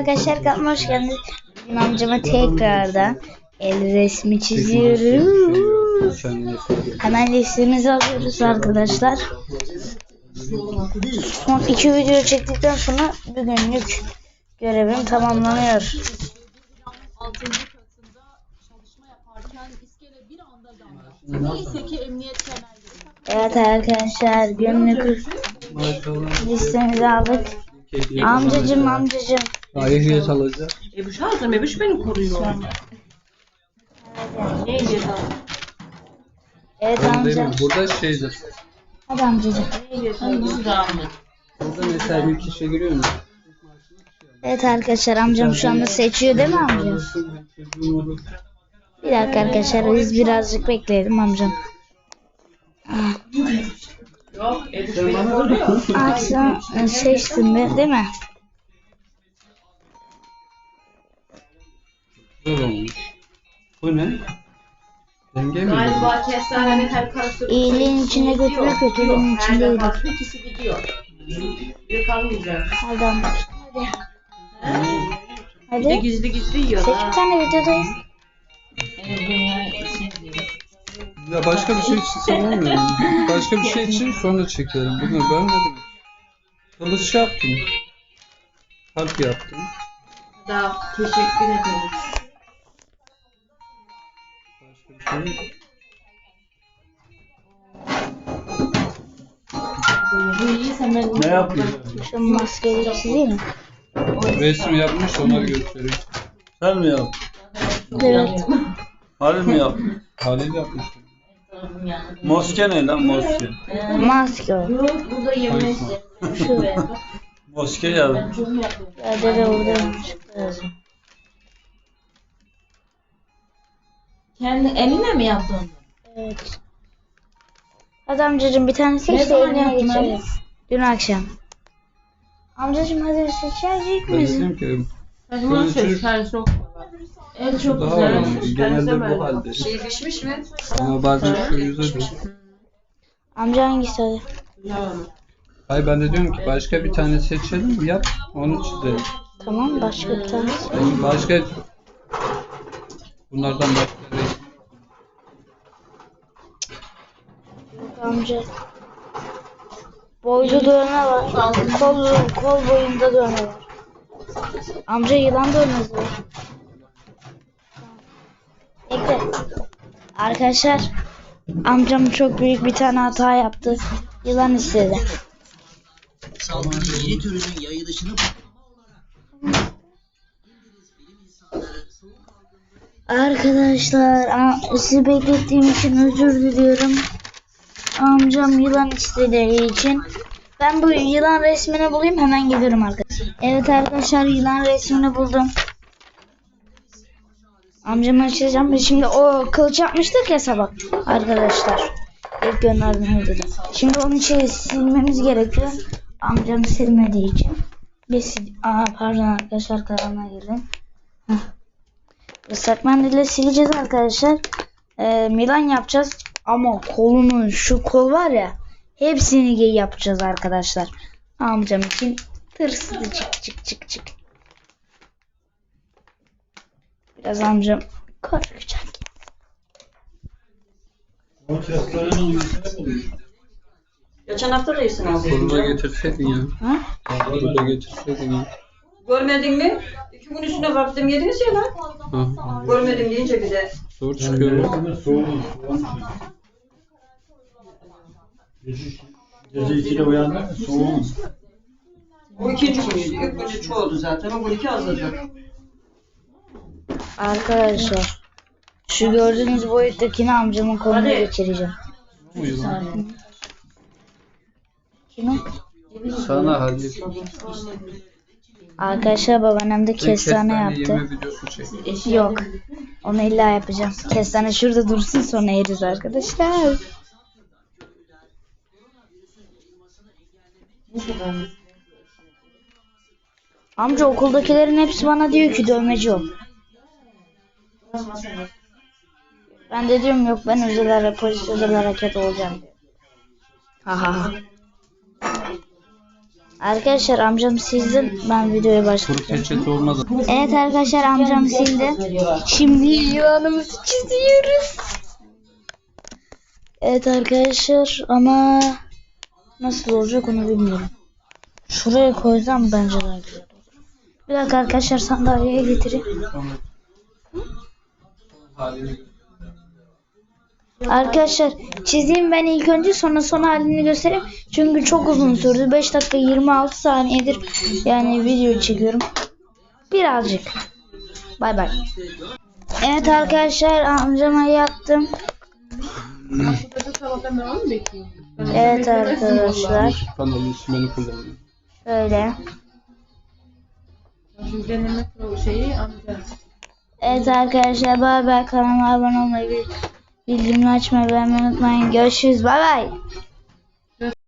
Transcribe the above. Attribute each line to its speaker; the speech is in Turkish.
Speaker 1: arkadaşlar, kanalıma hoş geldiniz. Bugün amcama tekrardan el resmi çiziyoruz. Hemen listemizi alıyoruz arkadaşlar. Son 2 video çektikten sonra bugünlük görevim tamamlanıyor. Evet arkadaşlar, günlük listemizi aldık. Amcacım.
Speaker 2: Ehliyet alacak.
Speaker 3: Ebuş aldım. Ebuş beni koruyor. Ne ehliyet aldım?
Speaker 1: Evet amca.
Speaker 2: Burada şeydir.
Speaker 1: Hadi amcacım.
Speaker 2: Burada mesela bir kişi giriyor mu?
Speaker 1: Evet arkadaşlar, amcam şu anda seçiyor değil mi amca? Bir dakika arkadaşlar, biz birazcık bekleyelim amcam.
Speaker 3: Yok, Ebuş beni koruyor.
Speaker 1: Akşam seçtim ben değil mi?
Speaker 2: Güzel olmuş. Bu ne? Denge mi?
Speaker 3: Galiba kestanenin her karası.
Speaker 1: İyiliğin içinde götürüp kötülüğün içinde iyilik.
Speaker 3: İkisi gidiyor. Bir kalmayacak.
Speaker 1: Hadi amca.
Speaker 3: Bir de
Speaker 1: Hadi.
Speaker 3: gizli yiyor.
Speaker 1: Seç bir tane videodayız.
Speaker 2: Ya başka bir şey için sanmıyorum. Başka bir şey için sonra çekerim. Bunu görmedim. Kılıç yaptım. Kalp yaptım.
Speaker 3: Daha teşekkür ederim.
Speaker 2: Başka bir şey.
Speaker 3: Bu iyi, sen ben
Speaker 2: Ne yapıyorsun?
Speaker 1: Şu maskeyi çizeyim mi?
Speaker 2: Resim yapmış, onları göstereyim.
Speaker 4: Sen mi yaptın?
Speaker 1: Evet.
Speaker 4: Halil mi yaptın?
Speaker 2: Halil yapmış.
Speaker 4: Moske ne lan moske?
Speaker 1: Maske o.
Speaker 3: burada yemek.
Speaker 1: Şu.
Speaker 4: Moske ya.
Speaker 1: Ya dede orada çıktı.
Speaker 3: Kendi eline mi yaptın?
Speaker 1: Evet. Hadi amcacım, bir tane seç
Speaker 3: Ne
Speaker 1: de
Speaker 3: zaman
Speaker 1: eline
Speaker 3: yaptın
Speaker 1: geçelim.
Speaker 3: abi?
Speaker 1: Dün akşam. Amcacım hadi seçecek
Speaker 2: Ben
Speaker 1: misin?
Speaker 2: dedim ki
Speaker 3: Saçma
Speaker 2: Kılıcı-
Speaker 3: söz, sen çok. En çok
Speaker 2: daha
Speaker 3: güzel.
Speaker 2: önemli. Genelde bu halde.
Speaker 3: Pişmiş mi?
Speaker 2: Ama bazen şu yüze düşüyor.
Speaker 1: Amca hangisi hadi?
Speaker 2: Hayır, ben de diyorum ki başka bir tane seçelim, yap, onu çizelim.
Speaker 1: Tamam, başka bir tane.
Speaker 2: Yani başka bunlardan başka değil.
Speaker 1: Amca. Boylu dövme var. Kol boyunda dövme var. Amca yılan dövmesi var. Bekle. Arkadaşlar, amcam çok büyük bir tane hata yaptı. Yılan istedi.
Speaker 5: Salgının yeni türünün yayılışını
Speaker 1: Arkadaşlar, sizi beklettiğim için özür diliyorum. Amcam yılan istediği için. Ben bu yılan resmini bulayım, hemen geliyorum arkadaşlar. Evet arkadaşlar, yılan resmini buldum. Amcamı açacağım. Şimdi o kılıç yapmıştık ya sabah arkadaşlar. İlk gönderdim videoda. Şimdi onun içeri silmemiz gerekiyor. Amcam silmediği için. Pardon arkadaşlar, kanalına girdim. Islak mendille sileceğiz arkadaşlar. Milan yapacağız. Ama kolunun şu kol var ya, hepsini yapacağız arkadaşlar. Amcam için tırsıdı, çık. Biraz amcam korkacak.
Speaker 3: Geçen hafta da iyisin abi.
Speaker 2: Bunu da getirseydin ya.
Speaker 1: Ha?
Speaker 2: Bunu da getirseydin ya.
Speaker 3: Görmedin mi? 2 gün üstüne baktım yediniz ya lan.
Speaker 2: Ha,
Speaker 3: Görmedim deyince bir de.
Speaker 2: zor çıkıyor.
Speaker 4: Gece 2'de uyandın mı? Soğuk.
Speaker 3: Bu ikinci günüydü. İlk günü çoğuldu zaten. O gün 2 azladı.
Speaker 1: Arkadaşlar, şu gördüğünüz boyuttakini amcamın koluna
Speaker 3: Hadi.
Speaker 1: geçireceğim.
Speaker 2: Bu yılan.
Speaker 1: Kimin?
Speaker 2: Sana Halil.
Speaker 1: Arkadaşlar, babaannem de kestane
Speaker 2: Yeme
Speaker 1: yaptı.
Speaker 2: videosu çek.
Speaker 1: Yok. Onu illa yapacağım. Kestane şurada dursun, sonra yeriz arkadaşlar. Amca, okuldakilerin hepsi bana diyor ki dövmeci ol. Ben de diyorum yok, ben polis özel hareket olacağım diyor. Ha. Arkadaşlar amcam sildi. Ben videoya
Speaker 2: Kuru
Speaker 1: başladım.
Speaker 2: peçete olmadı.
Speaker 1: Evet arkadaşlar amcam sildi. Şimdi yılanımızı çiziyoruz. Evet arkadaşlar ama nasıl olacak onu bilmiyorum. Şuraya koysam bence daha güzel olur. Bir dakika arkadaşlar sandalyeye getireyim. Arkadaşlar çizeyim ben ilk önce sonra son halini göstereyim. Çünkü çok uzun sürdü. 5 dakika 26 saniyedir yani video çekiyorum. Birazcık. Bay bay. Evet arkadaşlar amcama yaptım. Evet arkadaşlar.
Speaker 2: Yusuf kanalı ismini kullanıyorum.
Speaker 1: Şöyle.
Speaker 6: Deneme şeyi amca.
Speaker 1: Evet arkadaşlar bay bay, kanalıma abone olmayı, bildirimleri açmayı, beğenmeyi unutmayın. Görüşürüz, bay bay.